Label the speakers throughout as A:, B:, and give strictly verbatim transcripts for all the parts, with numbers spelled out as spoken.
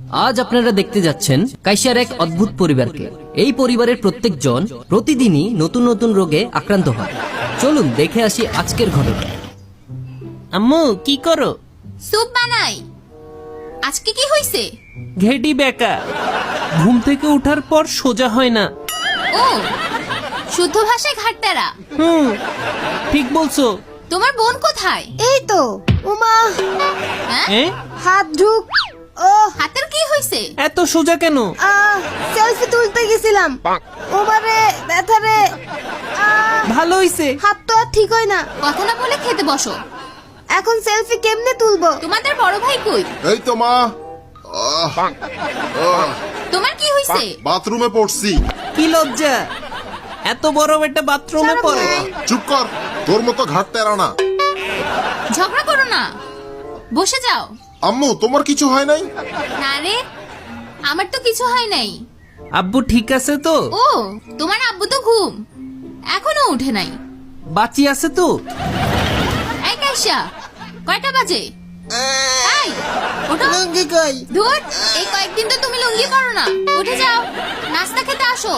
A: আজ আপনারা দেখতে যাচ্ছেন কাইসার এক অদ্ভুত পরিবারকে। এই পরিবারের প্রত্যেকজন প্রতিদিনই নতুন নতুন রোগে আক্রান্ত হয়। চলুন দেখে আসি আজকের ঘটনা।
B: আম্মু কি করো?
C: স্যুপ বানাই। আজকে কি হইছে?
B: ঘেডি বেকা, ঘুম থেকে ওঠার পর সোজা হয় না।
C: ও শুদ্ধ ভাষায় ঘাটতারা।
B: হুম, ঠিক বলছো।
C: তোমার বোন কোথায়?
D: এই তো উমা
C: হ্যাঁ?
B: এ?
D: হাত ঢুক। ও
C: হাতের কি হইছে?
B: এত সোজা কেন?
D: সেলফি তুলতে গেছিলাম। ওমারে ব্যথা রে। আহ,
B: ভালো হইছে।
D: হাত তো আর ঠিক হয় না।
C: কথা না বলে খেতে বসো।
D: এখন সেলফি কেমনে তুলবো?
C: তোমাদের বড় ভাই কই?
E: এই তো মা, আহ, আহ,
C: তোমার কি হইছে?
E: বাথরুমে পড়ছি।
B: কি লজ্জা, এত বড় একটা বাথরুমে
D: ছাড়ো
B: পড়ে।
D: ভাই।
E: চুপ কর, তোর মতো ঘাট তেরা না।
C: ঝগড়া করো না, বসে যাও।
E: আম্মু তোমার কিছু হয় নাই?
C: না রে, আমার তো কিছু হয় নাই।
B: আব্বু ঠিক আছে তো?
C: ও তোমার আব্বু তো ঘুম, এখনো উঠে নাই।
B: বাঁচি আছে তো?
C: এই কাইসা, কয়টা বাজে? এই, ওঠো।
D: লুঙ্গি কই?
C: ধুর, এই কয়েকদিন তো তুমি লুঙ্গি পরো না। উঠে যাও, নাস্তা খেতে আসো।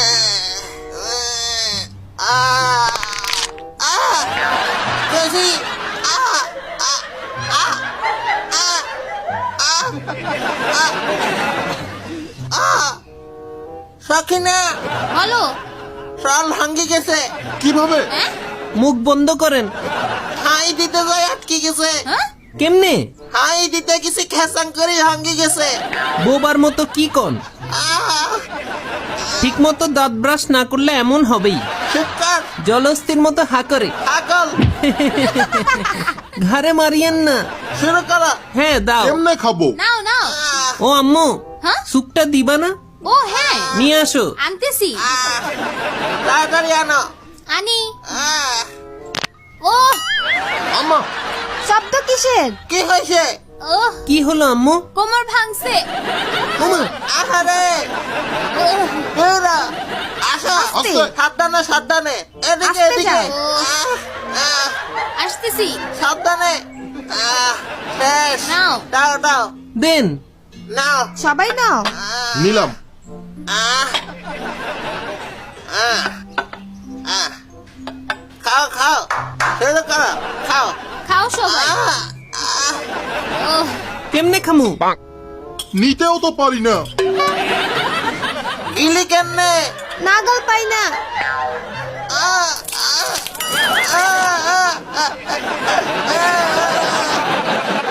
F: সখিনা,
C: বলো।
F: সল ভাঙ্গি গেছে।
E: কিভাবে?
C: হ্যাঁ?
B: মুখ বন্ধ করেন।
F: হাই দিতে যাই আটকে গেছে।
C: হ্যাঁ?
B: কেমনে?
F: হাই দিতে গেছে, খেসাং করে ভাঙ্গি গেছে।
B: বোবার মতো কি কন?
F: আহ,
B: ঠিক মতো দাঁত ব্রাশ না করলে এমন হবেই।
F: শিবকার,
B: জলস্থির মতো হা করে।
F: আগল,
B: ঘাড়ে মারিয়েন না।
F: শুরু করো।
B: হ্যাঁ দাও।
E: কেমনে খাবো?
C: নাও নাও।
F: আহ,
B: ও আম্মু,
C: হ্যাঁ?
B: সুপটা দিবা না?
C: ও হ্যাঁ,
B: নিয়ে আসো।
C: আনতেছি।
F: আহ, তাড়াতাড়ি আনো।
C: আনি।
F: আহ,
C: ও
E: আম্মা,
D: শব্দ কিসের?
F: কি হয়েছে?
C: ও
B: কি হলো আম্মু?
C: কোমর ভাঙছে।
B: ওমা,
F: আহারে,
C: ওহ,
F: হেরা, আসো।
E: আস্তে।
F: সাবধানে, সাবধানে, এদিকে,
D: আস্তে
F: এদিকে।
D: যাও।
F: আহ, আহ,
C: আসতেছি।
F: সাবধানে। আহ, শেষ।
C: নাও।
F: দাও, দাও,
B: দেন।
F: নাও।
D: সবাই নাও।
F: আহ,
E: নিলাম।
F: আহ, আহ, আহ। খাও, খাও, শুরু করো, খাও।
C: খাও সবাই।
F: আহ, আহ,
C: ও
B: কেমনে খামু?
E: নিতেও তো পারি না।
F: গিলি কেমনে?
D: নাগাল পাই না।
F: আহ, আহ, আহ, আহ, আহ, আহ, আহ।